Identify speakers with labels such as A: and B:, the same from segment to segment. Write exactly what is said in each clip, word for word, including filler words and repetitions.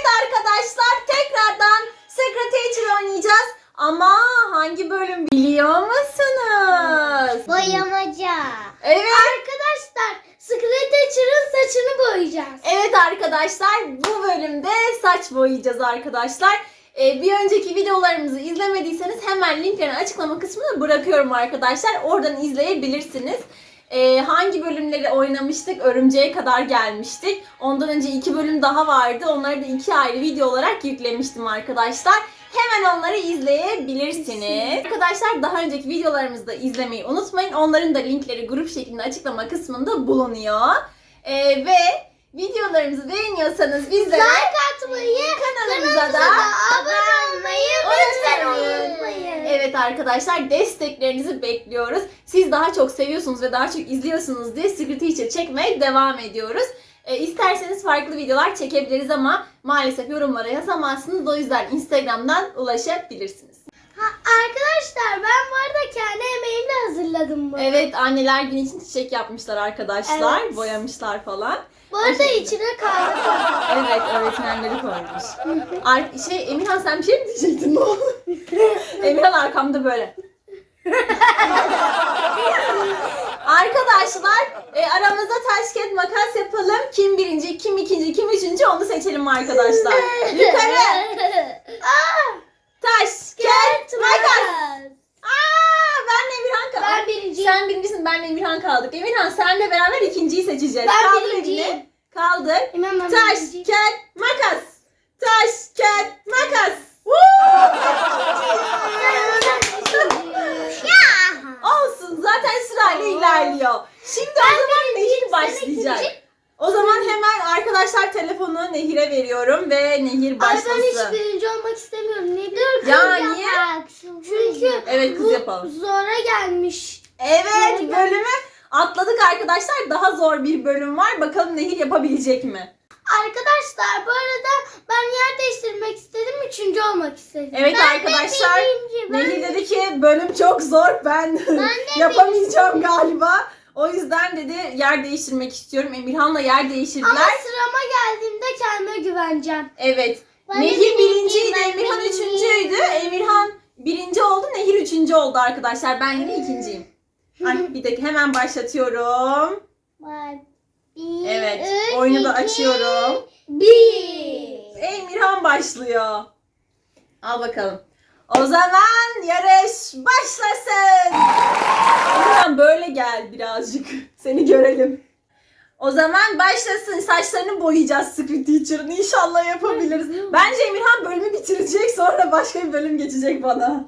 A: arkadaşlar, tekrardan Secret Teacher oynayacağız. Ama hangi bölüm biliyor musunuz?
B: Boyamaca.
A: Evet.
B: Arkadaşlar Secret Teacher'ın saçını boyayacağız.
A: Evet arkadaşlar, bu bölümde saç boyayacağız arkadaşlar. Ee, bir önceki videolarımızı izlemediyseniz hemen linklerini açıklama kısmına bırakıyorum arkadaşlar. Oradan izleyebilirsiniz. Ee, hangi bölümleri oynamıştık? Örümceğe kadar gelmiştik. Ondan önce iki bölüm daha vardı. Onları da iki ayrı video olarak yüklemiştim arkadaşlar. Hemen onları izleyebilirsiniz. Arkadaşlar daha önceki videolarımızı da izlemeyi unutmayın. Onların da linkleri grup şeklinde açıklama kısmında bulunuyor. Ee, ve videolarımızı beğeniyorsanız bizlere
B: Like atmayı,
A: kanalımıza da
B: abone olmayı lütfen unutmayın.
A: Evet arkadaşlar, desteklerinizi bekliyoruz. Siz daha çok seviyorsunuz ve daha çok izliyorsunuz diye Secret Teacher çekmeye devam ediyoruz. E, isterseniz farklı videolar çekebiliriz ama maalesef yorumlara yazamazsınız. O yüzden Instagram'dan ulaşabilirsiniz.
B: Ha, arkadaşlar ben bu arada kendi emeğimle hazırladım bunu.
A: Evet, anneler günü için çiçek yapmışlar arkadaşlar.
B: Evet.
A: Boyamışlar falan.
B: Bu arada
A: O şekilde.
B: içine kahve koydum.
A: Evet, öğretmenleri koymuş. Ar- şey Emirhan, sen bir şey mi diyecektin? Ne oldu? Emirhan arkamda böyle. Arkadaşlar e, aramızda taş kağıt makas yapalım. Kim birinci, kim ikinci, kim üçüncü onu seçelim arkadaşlar. Yukarı.
B: Aa,
A: Taş kağıt makas. Aa, benle Emirhan kaldık.
B: Ben birinciyim.
A: Sen birincisin, benle Emirhan kaldık. Emirhan, senle beraber ikinciyi seçeceğiz.
B: Ben
A: Kaldır
B: birinciyim.
A: elini. Kaldır.
B: Hemen ben
A: Taş
B: birinciyim.
A: kağıt makas. Taş kağıt makas. Olsun, zaten sırayla ilerliyor. Şimdi o zaman Nehir başlayacak. O zaman hemen arkadaşlar telefonu Nehir'e veriyorum ve Nehir
B: Ay ben
A: başlasın.
B: hiç birinci olmak istemiyorum. Ne biliyorum?
A: Ya niye?
B: Çünkü
A: Evet, kız
B: bu
A: yapalım.
B: zora gelmiş.
A: Evet,
B: Neden?
A: bölümü atladık arkadaşlar. Daha zor bir bölüm var. Bakalım Nehir yapabilecek mi?
B: Arkadaşlar bu arada ben yer değiştirmek istedim. Üçüncü olmak istedim.
A: Evet
B: Ben
A: arkadaşlar,
B: de birinci, ben
A: Nehir
B: de-
A: dedi ki bölüm çok zor, ben, yapamayacağım galiba. O yüzden dedi yer değiştirmek istiyorum. Emirhan'la yer değiştirdiler.
B: Ama sırama geldiğimde kendime güveneceğim.
A: Evet.
B: Ben de
A: Nehir
B: birinciyim,
A: birinciydi,
B: ben
A: Emirhan
B: birinciyim.
A: üçüncüydü. Emirhan birinci oldu, Nehir üçüncü oldu arkadaşlar. Ben yine ikinciyim. Ay, bir dakika, hemen başlatıyorum.
B: Bir,
A: Evet,
B: üç,
A: oyunu da
B: iki,
A: açıyorum.
B: Bir.
A: Emirhan başlıyor. Al bakalım. O zaman yarış başlasın. Emirhan böyle gel birazcık. Seni görelim. O zaman başlasın. Saçlarını boyayacağız Secret Teacher'ın. İnşallah yapabiliriz. Bence Emirhan bölümü bitirecek, sonra başka bir bölüm geçecek bana.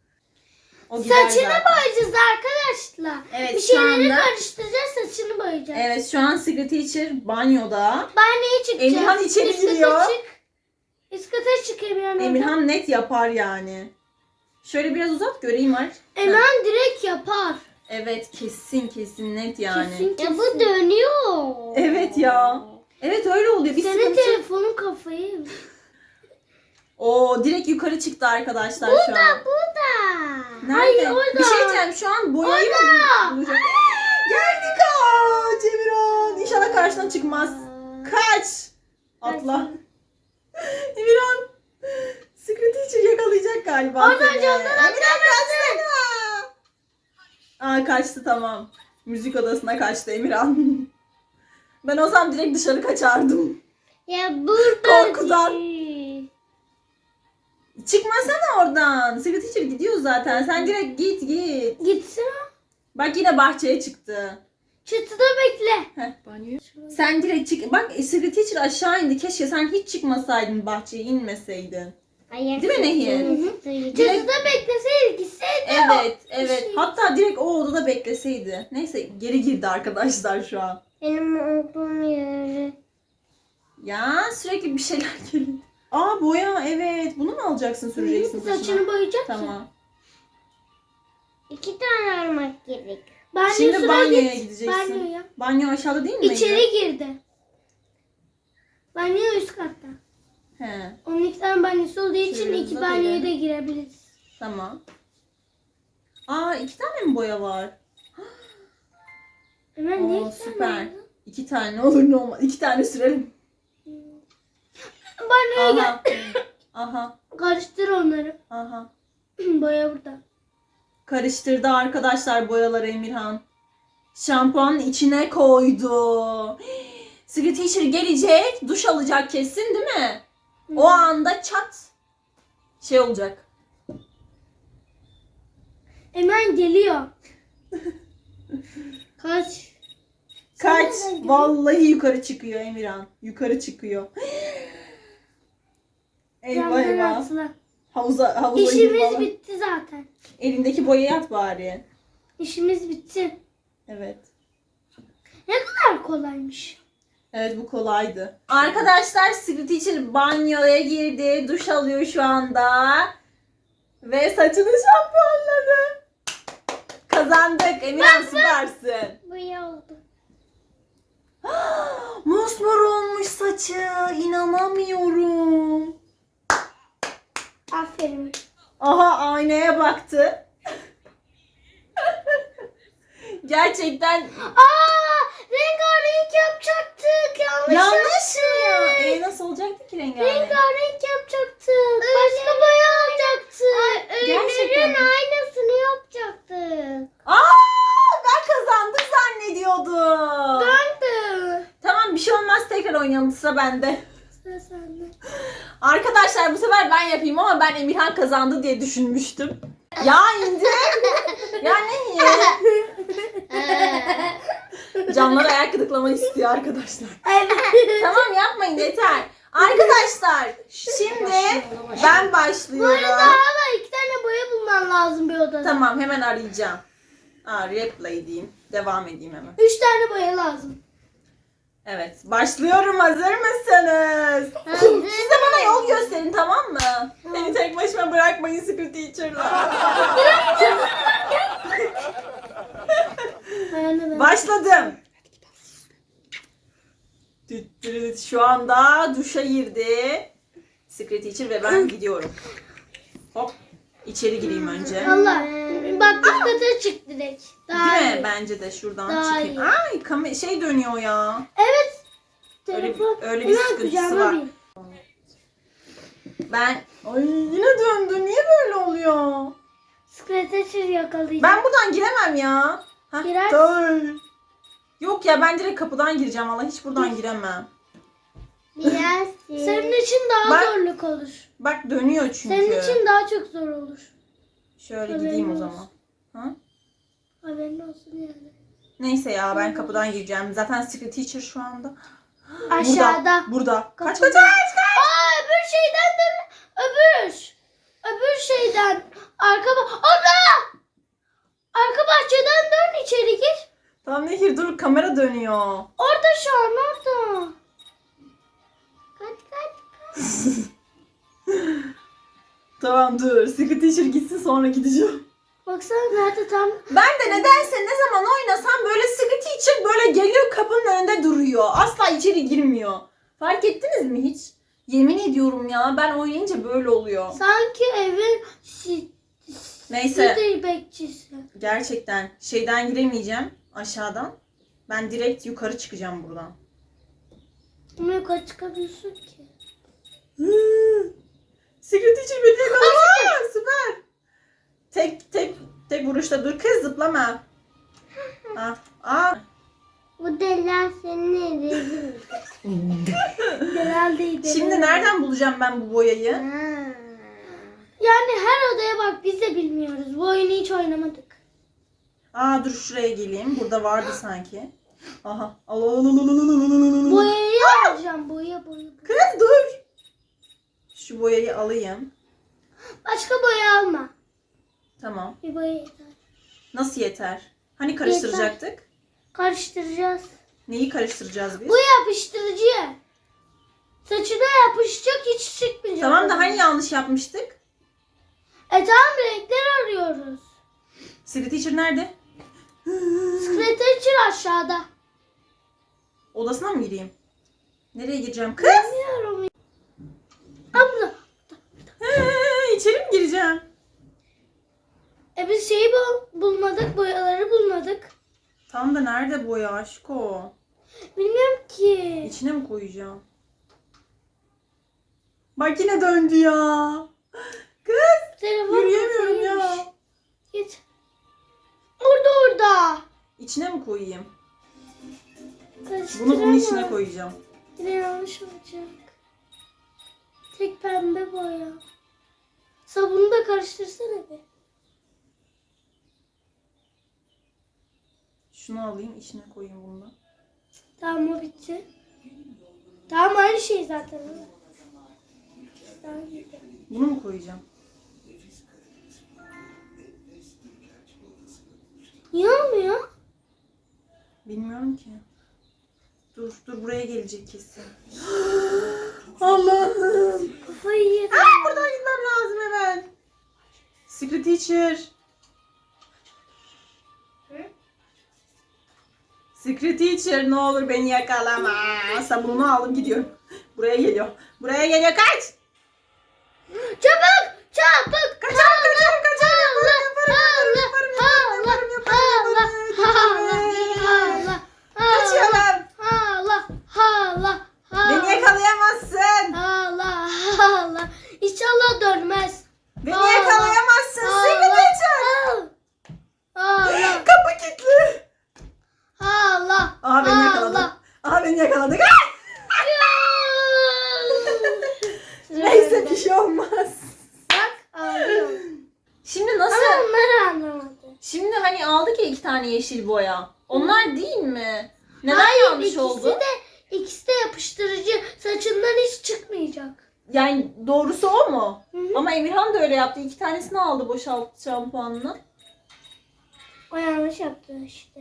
A: O gider
B: Saçını
A: zaten.
B: boyayacağız arkadaşlar.
A: Evet,
B: bir
A: şu
B: şeyleri
A: anda-
B: karıştıracağız, saçını boyayacağız.
A: Evet, şu an Secret Teacher banyoda.
B: Banyoya çıkacağız.
A: Emirhan içeri
B: Üst kata
A: giriyor.
B: çık. Üst kata çık Emirhan.
A: Emirhan net yapar yani. Şöyle biraz uzat göreyim aç.
B: Emirhan direkt yapar.
A: Evet, kesin kesin net yani.
B: Kesin kesin. Ya bu dönüyor.
A: Evet ya. Evet, öyle oluyor. Bir
B: Senin
A: sıkıntı.
B: telefonun kafayı.
A: Oo, direkt yukarı çıktı arkadaşlar şu an.
B: Bu da.
A: Nerede?
B: Hayır, orada.
A: Bir şey diyeceğim, şu an boyayı mı
B: Orada.
A: bulacak? Geldi, kaç Emirhan. İnşallah karşına çıkmaz. Kaç. Atla. Emirhan. Secret Teacher yakalayacak galiba
B: Oradan
A: seni.
B: camdan
A: Emirhan kaçsana. Aa, kaçtı, tamam. Müzik odasına kaçtı Emirhan. Ben o zaman direkt dışarı kaçardım.
B: Ya burada.
A: Korkudan. Çıkmasana oradan. Secret Teacher gidiyor zaten. Sen direkt git git.
B: Gitsin.
A: Bak yine bahçeye çıktı.
B: Çatıda bekle.
A: Heh, banyo. Sen direkt çık. Bak Secret Teacher aşağı indi. Keşke sen hiç çıkmasaydın, bahçeye inmeseydin.
B: Hayır.
A: Değil mi Nehir?
B: Çatıda bekleseydi gitseydi.
A: Evet, evet.
B: şey-
A: Hatta direkt o odada bekleseydi. Neyse, geri girdi arkadaşlar şu an.
B: Benim olduğum yeri.
A: Ya sürekli bir şeyler geliyor. Aa, boya, evet. Bunu mu alacaksın, süreceksin saçına?
B: Saçını boyayacak.
A: Tamam.
B: İki tane almak gerek. Banyo
A: Şimdi
B: sıra
A: banyoya
B: git.
A: gideceksin.
B: Banyoya.
A: Banyo aşağıda değil mi?
B: İçeri girdi. Banyo üst katta.
A: He,
B: Onun iki tane banyosu olduğu için
A: Şöyle
B: iki
A: uzat
B: banyoya
A: elini.
B: da girebiliriz.
A: tamam. Aa, iki tane mi boya var?
B: Hemen ne
A: Oo,
B: iki
A: süper.
B: tane?
A: İki tane olur ne olmaz. İki tane sürelim.
B: banyoya gel.
A: Aha. Aha.
B: Karıştır onları.
A: Aha.
B: Boya burada.
A: Karıştırdı arkadaşlar boyaları Emirhan. Şampuanın içine koydu. Secret Teacher gelecek, duş alacak kesin değil mi? O anda çat şey olacak.
B: Hemen geliyor. Kaç.
A: Kaç.
B: Sen nereden
A: Vallahi yukarı çıkıyor Emirhan. Yukarı çıkıyor. Eyvah
B: Camdan
A: eyvah.
B: atla.
A: Havuza, havuza gir
B: İşimiz
A: falan.
B: bitti zaten.
A: Elindeki boyayı at bari.
B: İşimiz bitti.
A: Evet.
B: Ne kadar kolaymış.
A: Evet bu kolaydı. Arkadaşlar Secret Teacher banyoya girdi. Duş alıyor şu anda. Ve saçını şampuanladı. Kazandık. Emirhan süpersin.
B: Boya oldu.
A: Mosmor olmuş saçı. İnanamıyorum.
B: Aferin.
A: Aha aynaya baktı. Gerçekten
B: Aa, rengarenk yapacaktık. Yanlış,
A: yanlış
B: yaptık.
A: ya. E nasıl olacaktı ki rengarenk?
B: Rengarenk yapacaktık. Başka boya alacaktık.
A: Gerçekten mi?
B: aynısını yapacaktık.
A: Aa ben kazandık zannediyordum.
B: Döndü.
A: Tamam bir şey olmaz tekrar oynayalım sıra bende.
B: Sıra sende.
A: Arkadaşlar bu sefer ben yapayım ama ben Emirhan kazandı diye düşünmüştüm. Ya indir. Ya ne ya? Camlara ayak gıdıklamak istiyor arkadaşlar. Tamam yapmayın yeter. Arkadaşlar şimdi ben
B: Bu
A: başlıyorum.
B: arada hala iki tane boya bulman lazım bir odada.
A: Tamam hemen arayacağım. Aa, replay diyeyim. Devam edeyim hemen.
B: Üç tane boya lazım.
A: Evet başlıyorum hazır mısınız? Siz de bana yol gösterin tamam mı? Beni tek başıma bırakmayın Secret Teacher'la. Başladım. Şu anda duşa girdi. Secret Teacher ve ben gidiyorum. Hop. İçeri gireyim önce.
B: Allah. Bak üst kata çık direkt. Daha
A: Değil
B: iyi.
A: mi? Bence de şuradan
B: Daha
A: çıkayım.
B: iyi.
A: Ay kam- şey dönüyor ya.
B: Evet.
A: Öyle,
B: Telefon.
A: öyle bir
B: Hemen
A: sıkıntısı
B: kucağıma
A: var.
B: bin.
A: Ben ay yine döndü. Niye böyle oluyor?
B: Scratcher yakalayacağım.
A: Ben buradan giremem ya. Heh,
B: Girersin.
A: dur. Yok ya ben direkt kapıdan gireceğim. Vallahi hiç buradan giremem.
B: Senin için daha
A: Bak-
B: zorluk olur.
A: Bak dönüyor çünkü.
B: Senin için daha çok zor olur.
A: Şöyle
B: Haberin
A: gideyim o
B: olsun.
A: zaman. Ha?
B: Haberin olsun yani.
A: Neyse ya ben kapıdan gireceğim. Zaten Secret Teacher şu anda.
B: Aşağıda.
A: Burada. burada. Kaç
B: Kapıda.
A: kaç kaç kaç.
B: Aa öbür şeyden dön. Öbür. Öbür şeyden. Arka bah... Abla! Arka bahçeden dön içeri gir.
A: Tamam Nehir dur kamera dönüyor.
B: Orada şu an orada. Kaç kaç.
A: Tamam dur. Secret Teacher gitsin sonra gideceğim.
B: Baksana nerede tam.
A: Ben de nedense ne zaman oynasam böyle Secret Teacher böyle geliyor kapının önünde duruyor. Asla içeri girmiyor. Fark ettiniz mi hiç? Yemin ediyorum ya ben oynayınca böyle oluyor.
B: Sanki evin si
A: Neyse
B: site bekçisi.
A: gerçekten şeyden giremeyeceğim aşağıdan. Ben direkt yukarı çıkacağım buradan.
B: Ama yukarı çıkamıyorsun ki.
A: Secret Teacher beni yakaladı. Süper. Tek tek tek vuruşta dur kız zıplama. Ah, ah.
B: Bu deliler senin rezil. Herhaldeydi.
A: Şimdi nereden bulacağım ben bu boyayı?
B: Yani her odaya bak biz de bilmiyoruz. Bu oyunu hiç oynamadık.
A: Aa dur şuraya geleyim. Burada vardı sanki. Aha. Al al al al al al al al al.
B: Boyayı alacağım. Boya boya. boya.
A: Kız dur. Şu boyayı alayım.
B: Başka boya alma.
A: Tamam.
B: Bir boya yeter.
A: Nasıl yeter? Hani karıştıracaktık?
B: Karıştıracağız.
A: Neyi karıştıracağız biz?
B: Bu yapıştırıcı. Saçına yapışacak hiç çıkmayacak.
A: Tamam da hani yanlış yapmıştık?
B: E tamam renkler arıyoruz.
A: Secret Teacher nerede?
B: Scratcher aşağıda.
A: Odasına mı gireyim? Nereye gireceğim? Kız!
B: Bilmiyorum. Abla.
A: He, içeri mi gireceğim?
B: E biz şeyi bul bulmadık. Boyaları bulmadık.
A: Tam da nerede boya aşko?
B: Bilmiyorum ki.
A: İçine mi koyacağım? Bak yine döndü ya. Kız
B: Telefon
A: yürüyemiyorum ya.
B: kafaymış. Git. Orada orada.
A: İçine mi koyayım?
B: Karıştıramam.
A: Bunu bunun içine koyacağım.
B: Yine yanlış olacak. Tek pembe boya. Sabunu da karıştırsana bir.
A: Şunu alayım içine koyayım bunu da.
B: Tamam o bitti. Tamam aynı şey zaten. Daha iyi.
A: Bunu mu koyacağım?
B: Niye olmuyor?
A: Bilmiyorum ki. Dur dur buraya gelecek kesin. Allah'ım.
B: Kafayı yedim.
A: Aa, buradan gitmem lazım hemen. Secret Teacher.
B: Hı?
A: Secret Teacher ne olur beni yakalama. Sabununu aldım gidiyorum. Buraya geliyor. Buraya geliyor kaç.
B: Çabuk! Çabuk!
A: Kaçarım kaçarım kaçarım. Yaparım yaparım yaparım yaparım yaparım yaparım yaparım. Kaçıyorum.
B: Hala, hala, hala.
A: Beni yakalayamazsın.
B: Hala, hala. İnşallah dönmez.
A: Beni
B: Hala,
A: yakalayamazsın. Secret Teacher.
B: Hala,
A: Kapı kilitli.
B: hala.
A: Aha beni yakaladı.
B: hala.
A: Aha beni yakaladı. Neyse bir şey olmaz.
B: Bak ağlıyor.
A: Şimdi nasıl?
B: Ama onları anlamadı.
A: Şimdi hani aldık ya iki tane yeşil boya. Onlar değil mi? Neden
B: Hayır,
A: yanlış
B: ikisi
A: oldu?
B: de ikisi de yapıştırıcı. Saçından hiç çıkmayacak.
A: Yani doğrusu o mu?
B: Hı hı.
A: Ama Emirhan da öyle yaptı. İki tanesini aldı boşalt şampuanını.
B: O yanlış yaptı işte.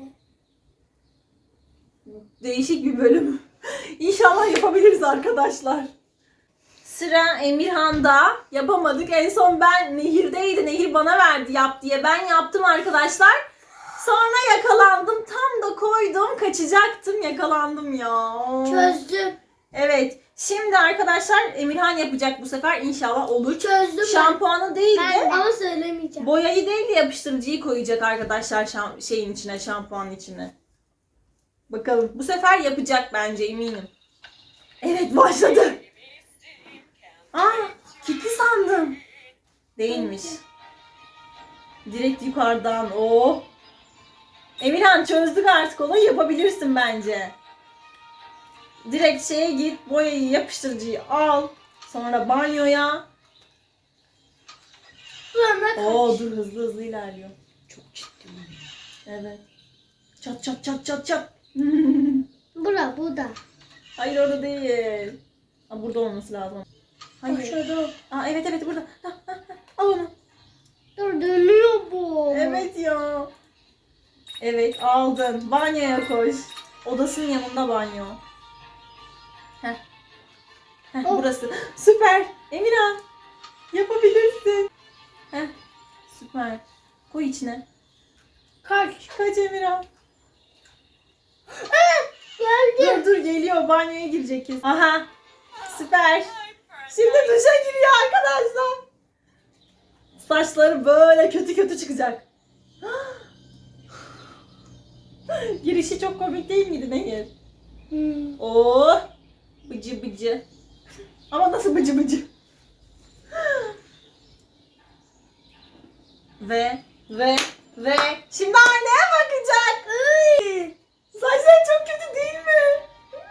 A: Değişik bir bölüm. İnşallah yapabiliriz arkadaşlar. Sıra Emirhan'da. Yapamadık. En son ben Nehir'deydi. Nehir bana verdi yap diye. Ben yaptım arkadaşlar. Sonra yakalandım. Tam da koydum. Kaçacaktım. Yakalandım ya.
B: Çözdüm.
A: Evet. Şimdi arkadaşlar Emirhan yapacak bu sefer. İnşallah olur.
B: Çözdüm ben.
A: Şampuanı değil
B: Ben
A: de
B: ama söylemeyeceğim.
A: boyayı değil de yapıştırıcıyı koyacak arkadaşlar şam- şeyin içine, şampuanın içine. Bakalım. Bu sefer yapacak bence eminim. Evet başladı. Aa, kilitli sandım. Değilmiş. Direkt yukarıdan. Oh. Emirhan çözdük artık olayı, yapabilirsin bence. Direkt şeye git, boyayı, yapıştırıcıyı al. Sonra banyoya.
B: Sonra kaç.
A: Oo dur hızlı hızlı ilerliyor. Çok ciddi. Evet. Çat çat çat çat çat.
B: Bura bu da.
A: Hayır orada değil. Aa, burada olması lazım. Hayır.
B: Aşağıda.
A: Aa, evet evet burada. Ha, ha, ha. Al onu.
B: Dur dönüyor bu.
A: Evet ya. Evet aldın. Banyoya koş. Odasının yanında banyo. Heh. Heh,
B: Oh.
A: burası. Süper. Emirhan. Yapabilirsin. Heh. Süper. Koy içine.
B: Kaç.
A: Kaç Emirhan.
B: Geldi.
A: Dur dur geliyor. Banyoya girecek kesin. Aha. Süper. Şimdi duşa giriyor arkadaşlar. Saçları böyle kötü kötü çıkacak. Girişi çok komik değil miydi Nehir?
B: Hmm.
A: Oo, bıcı bıcı. Ama nasıl bıcı bıcı? ve ve ve şimdi aynaya bakacak. Iy! Saçları çok kötü değil mi?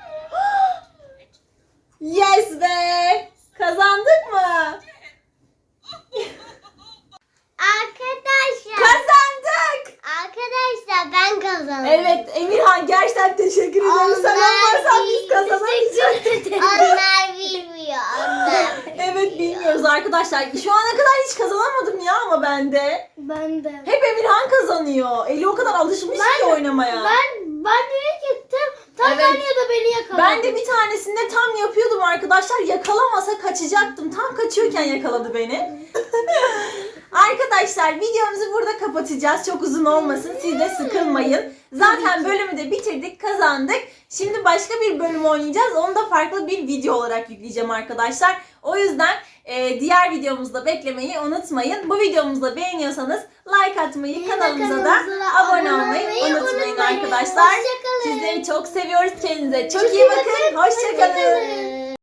A: Yes be! Kazandık mı?
B: Arkadaşlar.
A: Kazandık!
B: Arkadaşlar ben kazandım.
A: Evet Emirhan gerçekten teşekkür ederim. Sen olmasan biz kazanamayacaktık.
B: Onlar bilmiyor. Onlar.
A: Evet bilmiyoruz arkadaşlar. Şu ana kadar hiç kazanamadım ya ama ben de.
B: Ben de.
A: Hep Emirhan kazanıyor. Eli o kadar alışmış ki oynamaya.
B: Ben banyoya gittim. Tam
A: Evet.
B: banyoda beni yakaladı.
A: Ben de bir tanesinde tam yapıyordum arkadaşlar. Yakalamasa kaçacaktım. Tam kaçıyorken yakaladı beni. Arkadaşlar videomuzu burada kapatacağız. Çok uzun olmasın. Siz de sıkılmayın. Zaten bölümü de bitirdik, kazandık. Şimdi başka bir bölüm oynayacağız. Onu da farklı bir video olarak yükleyeceğim arkadaşlar. O yüzden e, diğer videomuzda beklemeyi unutmayın. Bu videomuzu da beğeniyorsanız like atmayı,
B: Yine
A: kanalımıza da
B: kanalımıza
A: abone olmayı unutmayın arkadaşlar.
B: Hoşçakalın.
A: Sizleri çok seviyoruz. Kendinize çok iyi bakın. Hoşçakalın.